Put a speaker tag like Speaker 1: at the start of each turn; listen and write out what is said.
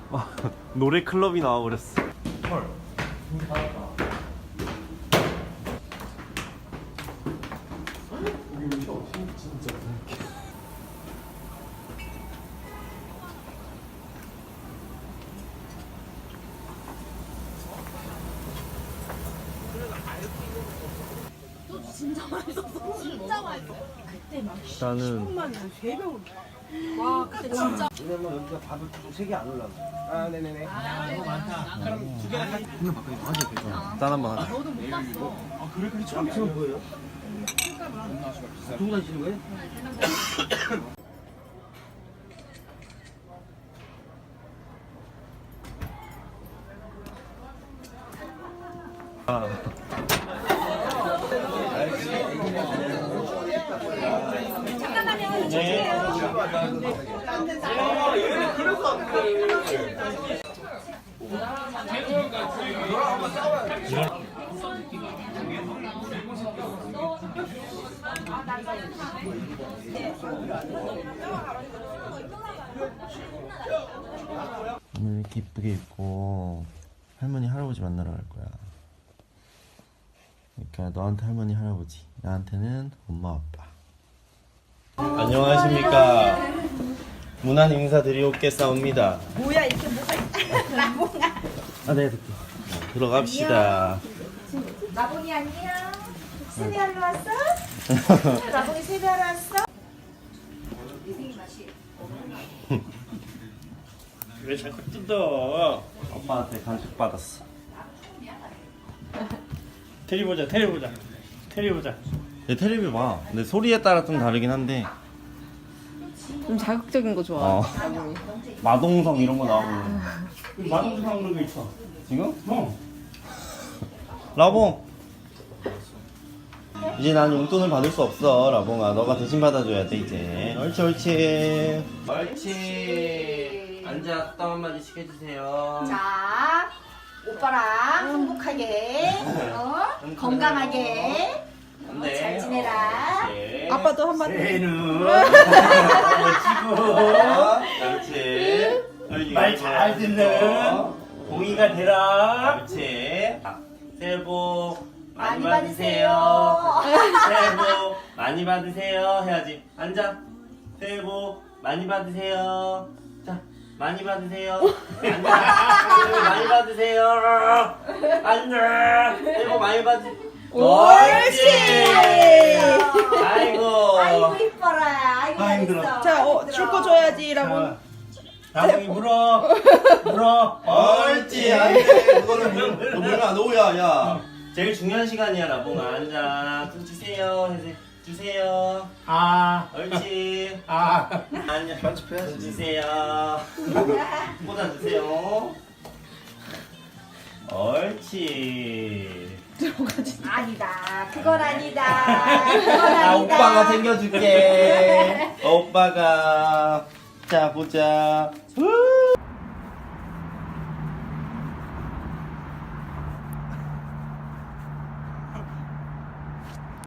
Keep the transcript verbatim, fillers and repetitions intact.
Speaker 1: 노래 클럽이 나와버렸어. 헐. 진짜.
Speaker 2: 진짜 맛있었어. 진짜 맛있어. 그때 막
Speaker 1: 나는
Speaker 2: 세 병. 와, 그때 진짜.
Speaker 3: 왜냐면 여기가 밥을 세개 안 올라가. 아, 네네네.
Speaker 2: 너무 많다.
Speaker 3: 그럼 두 개나 한 분명 바꿔야 맞아.
Speaker 1: 짠 한번 하자.
Speaker 2: 너도 못 봤어.
Speaker 3: 아, 그래? 그래? 처음 지금 뭐예요? 두고 다니시는 거예요?
Speaker 1: 아.
Speaker 2: 잠깐만요.
Speaker 1: 네. 오늘 이렇게 이쁘게 입고 할머니 할아버지 만나러 갈 거야. 그러니까 너한테 할머니 할아버지, 나한테는 엄마 아빠. 안녕하십니까. 문안 인사드리옵겠사옵니다.
Speaker 2: 뭐야, 이렇게 뭐가 있다. 라봉아.
Speaker 1: 아, 네, 듣게. 들어갑시다.
Speaker 2: 라봉이 안녕. 세배하러 왔어? 라봉이 세배하러 왔어?
Speaker 1: 왜 자꾸 뜯어? 엄마한테 간식 받았어.
Speaker 4: 테리 보자, 테리 보자, 테리 보자.
Speaker 1: 내 텔레비 봐. 근데 소리에 따라 좀 다르긴 한데.
Speaker 5: 좀 자극적인 거 좋아.
Speaker 1: 어. 마동성 이런 거 나오고.
Speaker 4: 마동상 그런 거 있어.
Speaker 1: 지금?
Speaker 4: 어.
Speaker 1: 라봉. 이제 난 용돈을 받을 수 없어, 라봉아. 너가 대신 받아줘야 돼, 이제. 옳지, 옳지. 옳지. 앉아, 땀 한마디씩 해주세요.
Speaker 2: 자, 오빠랑 행복하게, 어? 건강하게, 어, 잘 지내라.
Speaker 1: 네.
Speaker 5: 아빠도 한마디.
Speaker 4: 애는
Speaker 1: 그렇지.
Speaker 4: 말 잘 듣는 공이가 되라.
Speaker 1: 그렇지. 새해 복 많이
Speaker 2: 많이
Speaker 1: 받으세요. 새해 복 많이 받으세요. 해야지. 앉아. 새해 복 많이 받으세요. 자, 많이 받으세요. 앉아. 새해 복 많이 받으세요. 앉아. 새해 복 많이 받으세요.
Speaker 5: 옳지.
Speaker 1: 아이고.
Speaker 2: 아이고 이뻐라. 아이고
Speaker 4: 아, 힘들어.
Speaker 2: 잘했어.
Speaker 5: 자, 어,
Speaker 2: 힘들어.
Speaker 5: 줄 거 줘야지, 라고.
Speaker 4: 나중에 물어, 물어.
Speaker 1: 옳지. 안돼. 그거는 너 물면 안 오야, 야. 제일 중요한 시간이야, 라봉아. 앉아. 좀 주세요. 해서 주세요.
Speaker 4: 아,
Speaker 1: 옳지.
Speaker 4: 아.
Speaker 1: 안녕. 편집해야지. 주세요. 꽂아 주세요. 옳지.
Speaker 2: 아니다. 그건 아니다. 그건 아니다.
Speaker 1: 아, 오빠가 챙겨줄게. 오빠가. 자, 보자. 우!